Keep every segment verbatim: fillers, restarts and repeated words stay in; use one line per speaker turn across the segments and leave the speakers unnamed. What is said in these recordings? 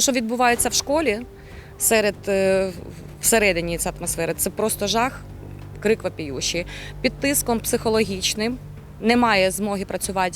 Те, що відбувається в школі, серед, всередині цієї атмосфери, це просто жах, крик вопіющий. Під тиском психологічним немає змоги працювати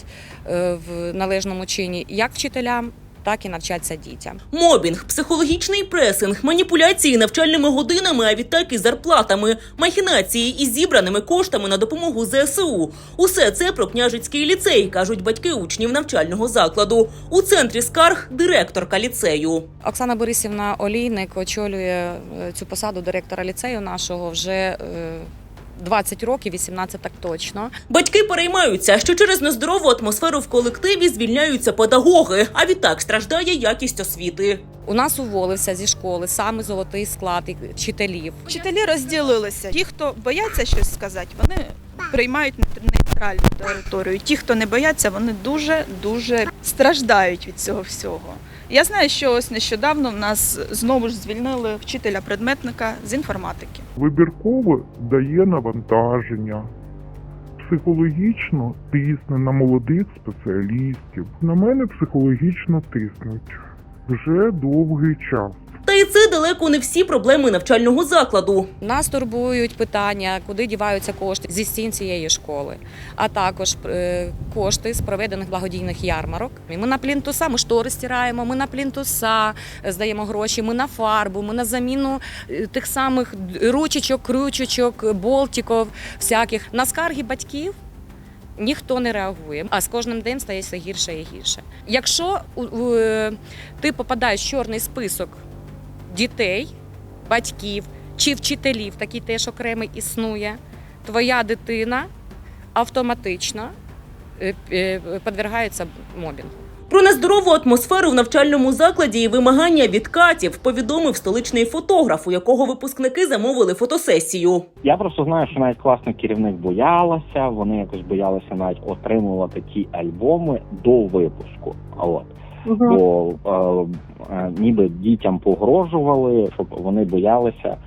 в належному чині як вчителям, так і навчатися дітям.
Мобінг, психологічний пресинг, маніпуляції навчальними годинами, а відтак і зарплатами, махінації із зібраними коштами на допомогу зе ес у. Усе це про Княжицький ліцей, кажуть батьки учнів навчального закладу. У центрі скарг – директорка ліцею.
Оксана Борисівна Олійник очолює цю посаду директора ліцею нашого вже двадцять років, вісімнадцять так точно.
Батьки переймаються, що через нездорову атмосферу в колективі звільняються педагоги, а відтак страждає якість освіти.
У нас уволився зі школи саме золотий склад вчителів.
Вчителі розділилися. Ті, хто бояться щось сказати, вони приймають нейтральну територію. Ті, хто не бояться, вони дуже-дуже страждають від цього всього. Я знаю, що ось нещодавно в нас знову ж звільнили вчителя-предметника з інформатики.
Вибірково дає навантаження, психологічно тисне на молодих спеціалістів. На мене психологічно тиснуть вже довгий час.
Та і це далеко не всі проблеми навчального закладу.
Нас турбують питання, куди діваються кошти зі стін цієї школи, а також е, кошти з проведених благодійних ярмарок. Ми на плінтуса, ми штори стираємо, ми на плінтуса здаємо гроші, ми на фарбу, ми на заміну тих самих ручечок, крючечок, болтиків всяких. На скарги батьків ніхто не реагує, а з кожним днем стає все гірше і гірше. Якщо е, ти попадаєш в чорний список дітей, батьків чи вчителів, такий теж окремий існує, твоя дитина автоматично підвергається мобінгу.
Про нездорову атмосферу в навчальному закладі і вимагання відкатів повідомив столичний фотограф, у якого випускники замовили фотосесію.
Я просто знаю, що навіть класний керівник боялася, вони якось боялися навіть отримувати ті альбоми до випуску. От. Угу. Бо е, е, ніби дітям погрожували, щоб вони боялися,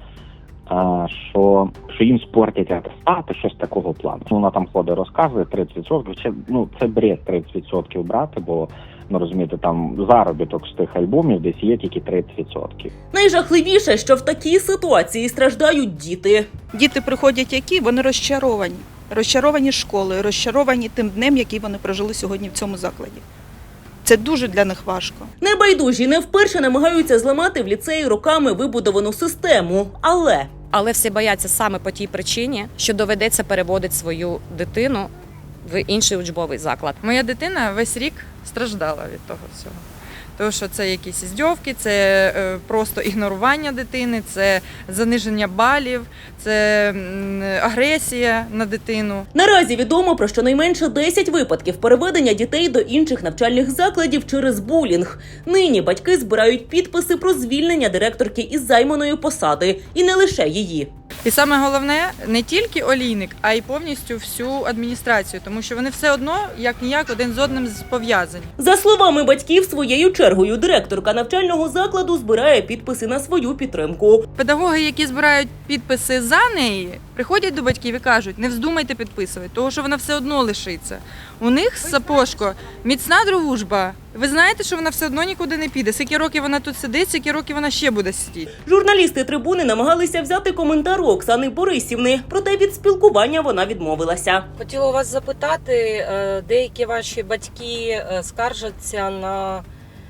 е, що, що їм спортять атестати, щось такого плану. Вона там ходить, розказує тридцять відсотків. Це, ну, це бред тридцять відсотків брати, бо, ну розумієте, там заробіток з тих альбомів десь є тільки тридцять відсотків.
Найжахливіше, що в такій ситуації страждають діти.
Діти приходять які? Вони розчаровані. Розчаровані школою, розчаровані тим днем, який вони прожили сьогодні в цьому закладі. Це дуже для них важко.
Небайдужі не вперше намагаються зламати в ліцеї роками вибудовану систему, але...
Але всі бояться саме по тій причині, що доведеться переводити свою дитину в інший учбовий заклад.
Моя дитина весь рік страждала від того всього. Тому що це якісь здьовки, це е, просто ігнорування дитини, це заниження балів, це м, агресія на дитину.
Наразі відомо про щонайменше десять випадків переведення дітей до інших навчальних закладів через булінг. Нині батьки збирають підписи про звільнення директорки із займаної посади. І не лише її.
І саме головне, не тільки Олійник, а й повністю всю адміністрацію, тому що вони все одно, як-ніяк, один з одним пов'язані.
За словами батьків, своєю чергою директорка навчального закладу збирає підписи на свою підтримку.
Педагоги, які збирають підписи за неї, приходять до батьків і кажуть, не вздумайте підписувати, тому що вона все одно лишиться. У них, Сапожко, міцна дружба. Ви знаєте, що вона все одно нікуди не піде. Скільки років вона тут сидить, скільки років вона ще буде сидіти.
Журналісти «Трибуни» намагалися взяти коментар Оксани Борисівни, проте від спілкування вона відмовилася.
Хотіла вас запитати, деякі ваші батьки скаржаться на...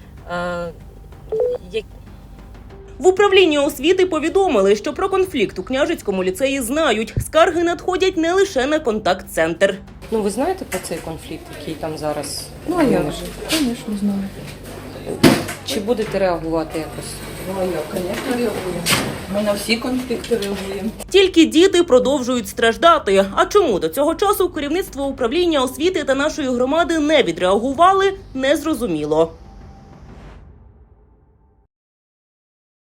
В управлінні освіти повідомили, що про конфлікт у Княжицькому ліцеї знають. Скарги надходять не лише на контакт-центр.
Ну, ви знаєте про цей конфлікт, який там зараз?
Ну, а як же? Звісно, знаю.
Чи будете реагувати якось?
Ну, а як, звісно, реагуємо. Ми на всі конфлікти реагуємо.
Тільки діти продовжують страждати. А чому до цього часу керівництво управління освіти та нашої громади не відреагували, незрозуміло.